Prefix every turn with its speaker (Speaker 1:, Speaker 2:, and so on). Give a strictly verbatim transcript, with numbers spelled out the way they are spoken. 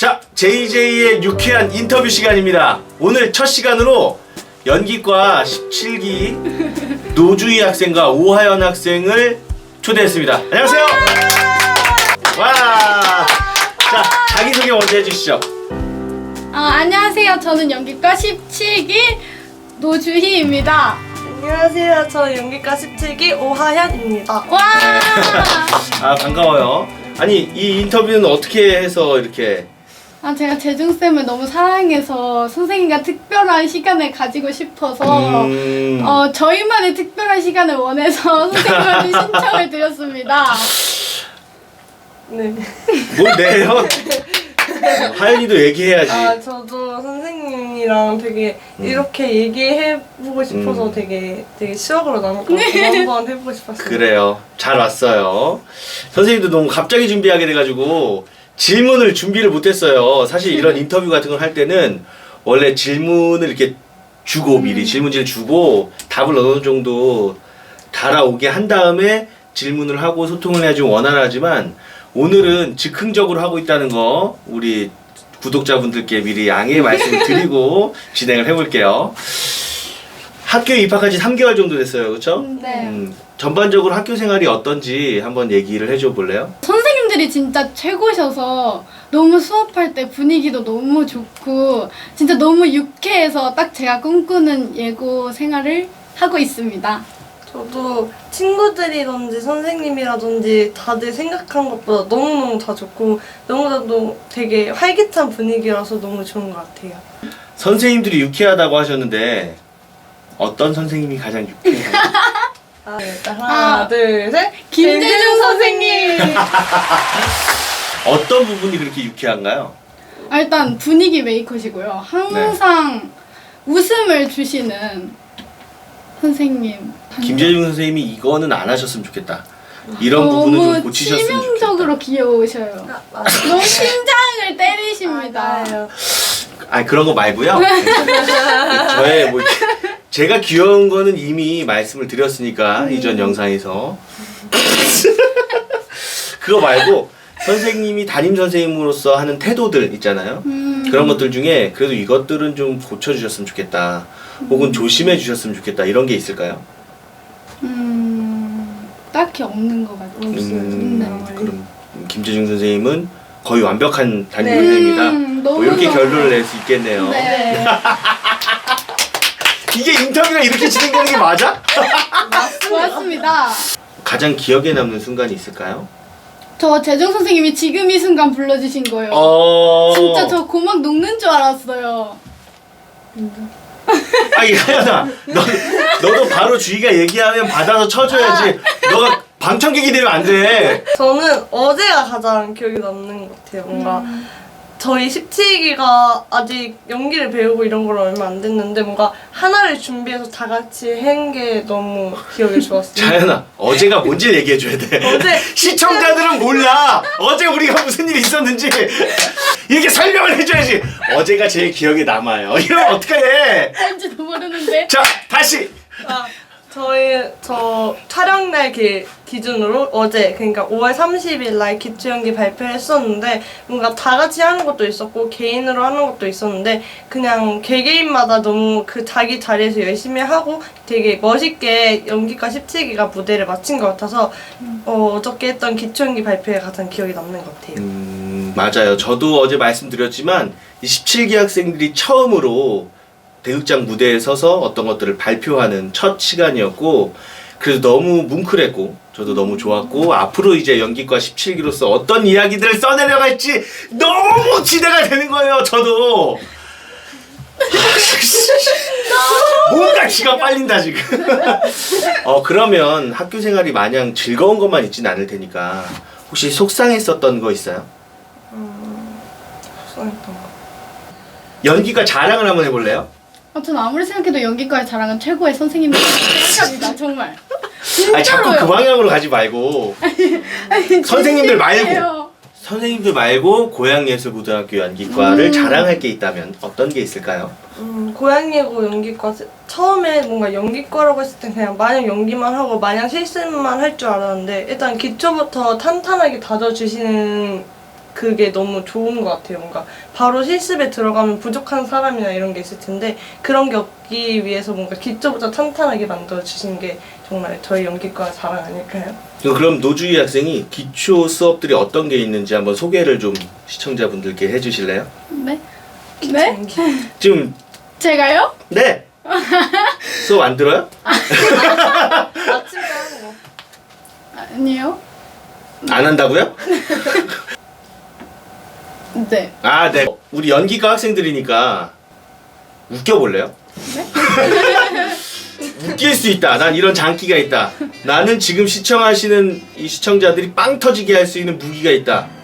Speaker 1: 자, 제이제이의 유쾌한 인터뷰 시간입니다. 오늘 첫 시간으로 연기과 십칠 기 노주희 학생과 오하연 학생을 초대했습니다. 안녕하세요. 와. 자, 자기소개 먼저 해주시죠.
Speaker 2: 아, 안녕하세요. 저는 연기과 십칠 기 노주희입니다.
Speaker 3: 안녕하세요. 저는 연기과 십칠 기 오하연입니다.
Speaker 2: 와!
Speaker 1: 아, 반가워요. 아니, 이 인터뷰는 어떻게 해서 이렇게?
Speaker 2: 아, 제가 재중쌤을 너무 사랑해서 선생님과 특별한 시간을 가지고 싶어서
Speaker 1: 음...
Speaker 2: 어, 저희만의 특별한 시간을 원해서 선생님한테 신청을 드렸습니다.
Speaker 3: 네.
Speaker 1: 뭘 내요? 하연이도 얘기해야지.
Speaker 3: 아, 저도 선생님이랑 되게
Speaker 1: 음.
Speaker 3: 이렇게 얘기해보고 싶어서
Speaker 1: 음.
Speaker 3: 되게 되게 추억으로 남을 것 같아서 한번 해보고 싶었어요.
Speaker 1: 그래요. 잘 왔어요. 선생님도 너무 갑자기 준비하게 돼가지고 질문을 준비를 못했어요. 사실 이런 인터뷰 같은 걸 할 때는 원래 질문을 이렇게 주고 미리
Speaker 2: 음.
Speaker 1: 질문지를 주고 답을 어느 정도 달아오게 한 다음에 질문을 하고 소통을 해야지 원활하지만 오늘은 즉흥적으로 하고 있다는 거 우리 구독자분들께 미리 양해의 말씀을 드리고 진행을 해볼게요. 학교에 입학한 지 삼 개월 정도 됐어요. 그렇죠?
Speaker 2: 네.
Speaker 1: 음, 전반적으로 학교 생활이 어떤지 한번 얘기를 해줘 볼래요?
Speaker 2: 선생님들이 진짜 최고셔서 너무 수업할 때 분위기도 너무 좋고 진짜 너무 유쾌해서 딱 제가 꿈꾸는 예고 생활을 하고 있습니다.
Speaker 3: 저도 친구들이든지 선생님이라든지 다들 생각한 것보다 너무너무 다 좋고 너무나도 되게 활기찬 분위기라서 너무 좋은 것 같아요.
Speaker 1: 선생님들이 유쾌하다고 하셨는데 어떤 선생님이 가장 유쾌해요?
Speaker 3: 아, 일단 하나,
Speaker 2: 아,
Speaker 3: 둘, 셋.
Speaker 2: 김재중 선생님!
Speaker 1: 어떤 부분이 그렇게 유쾌한가요?
Speaker 2: 아, 일단 분위기 메이커시고요. 항상 웃음을 주시는 선생님.
Speaker 1: 김재중 선생님이 이거는 안 하셨으면 좋겠다. 이런 부분은 좀
Speaker 2: 너무
Speaker 1: 고치셨으면 좋겠다.
Speaker 2: 치명적으로 귀여우셔요.
Speaker 3: 아, 맞아요.
Speaker 2: 너무 심장을 때리십니다.
Speaker 3: 맞아요.
Speaker 1: 아니 그런 거 말고요. 저의 뭐 이렇게 제가 귀여운 거는 이미 말씀을 드렸으니까
Speaker 2: 음.
Speaker 1: 이전 영상에서 그거 말고 선생님이 담임 선생님으로서 하는 태도들 있잖아요.
Speaker 2: 음.
Speaker 1: 그런 것들 중에 그래도 이것들은 좀 고쳐주셨으면 좋겠다. 혹은 조심해 주셨으면 좋겠다. 이런 게 있을까요?
Speaker 2: 음, 딱히 없는 것 같아요.
Speaker 1: 음,
Speaker 2: 네.
Speaker 1: 그럼 김재중 선생님은 거의 완벽한 담임
Speaker 3: 네.
Speaker 1: 선생님이다.
Speaker 2: 음,
Speaker 1: 뭐
Speaker 2: 너무
Speaker 1: 이렇게
Speaker 2: 너무
Speaker 1: 결론을 낼 수 있겠네요.
Speaker 2: 네.
Speaker 1: 이게 인터뷰가 이렇게 진행되는 게 맞아?
Speaker 2: 고맙습니다.
Speaker 1: 가장 기억에 남는 순간이 있을까요?
Speaker 2: 저 재정 선생님이 지금 이 순간 불러주신 거예요.
Speaker 1: 어.
Speaker 2: 진짜 저 고막 녹는 줄 알았어요.
Speaker 1: 아니 하연아, 너 너도 바로 주희가 얘기하면 받아서 쳐줘야지. 너가 방청객이 되면 안 돼.
Speaker 3: 저는 어제가 가장 기억에 남는 것 같아요. 뭔가 저희 십칠 기가 아직 연기를 배우고 이런 걸 얼마 안 됐는데 뭔가 하나를 준비해서 다 같이 한 게 너무 기억에 좋았어요.
Speaker 1: 자연아, 어제가 뭔지 얘기해 줘야 돼.
Speaker 3: 어제
Speaker 1: 시청자들은 몰라. 어제 우리가 무슨 일이 있었는지 이렇게 설명을 해줘야지. 어제가 제일 기억에 남아요. 이러면 어떡해?
Speaker 2: 뭔지도 모르는데.
Speaker 1: 자, 다시.
Speaker 3: 아, 저희 저 촬영날 기, 기준으로 어제 그러니까 오월 삼십일 날 기초 연기 발표를 했었는데 뭔가 다 같이 하는 것도 있었고 개인으로 하는 것도 있었는데 그냥 개개인마다 너무 그 자기 자리에서 열심히 하고 되게 멋있게 연기과 십칠 기가 무대를 마친 것 같아서 어, 어저께 했던 기초 연기 발표에 가장 기억에 남는 것 같아요.
Speaker 1: 음, 맞아요. 저도 어제 말씀드렸지만 이 십칠 기 학생들이 처음으로 대극장 무대에 서서 어떤 것들을 발표하는 첫 시간이었고 그래서 너무 뭉클했고 저도 너무 좋았고 앞으로 이제 연기과 십칠 기로서 어떤 이야기들을 써내려갈지 너무 기대가 되는 거예요. 저도 뭔가 기가 빨린다 지금. 어 그러면 학교 생활이 마냥 즐거운 것만 있진 않을 테니까 혹시 속상했었던 거 있어요?
Speaker 3: 음, 속상했던 거.
Speaker 1: 연기과 자랑을 한번 해볼래요?
Speaker 2: 아, 전 아무리 생각해도 연기과의 자랑은 최고의 선생님들이라고 생각합니다. 정말.
Speaker 1: 아니 자꾸 그 방향으로 가지 말고
Speaker 2: 아니,
Speaker 1: 선생님들 말고.
Speaker 2: 진심이에요.
Speaker 1: 선생님들 말고 고양예술고등학교 연기과를
Speaker 2: 음.
Speaker 1: 자랑할 게 있다면 어떤 게 있을까요?
Speaker 3: 음, 고양예고 연기과 세- 처음에 뭔가 연기과라고 했을 땐 그냥 마냥 연기만 하고 마냥 실습만 할 줄 알았는데 일단 기초부터 탄탄하게 다져주시는 그게 너무 좋은 것 같아요. 뭔가 바로 실습에 들어가면 부족한 사람이나 이런 게 있을 텐데 그런 게 없기 위해서 뭔가 기초부터 탄탄하게 만들어 주신 게 정말 저희 연기과 자랑 아닐까요?
Speaker 1: 그럼 노주희 학생이 기초 수업들이 어떤 게 있는지 한번 소개를 좀 시청자분들께 해주실래요?
Speaker 2: 네? 네?
Speaker 3: 연기.
Speaker 1: 지금
Speaker 2: 제가요?
Speaker 1: 네 수업 안 들어요?
Speaker 3: 아침에 하는 거.
Speaker 2: 아니요.
Speaker 1: 안 한다고요?
Speaker 2: 네.
Speaker 1: 아, 네. 우리 연기과 학생들이니까 웃겨볼래요?
Speaker 2: 네?
Speaker 1: 웃길 수 있다. 난 이런 장기가 있다. 나는 지금 시청하시는 이 시청자들이 빵 터지게 할 수 있는 무기가 있다.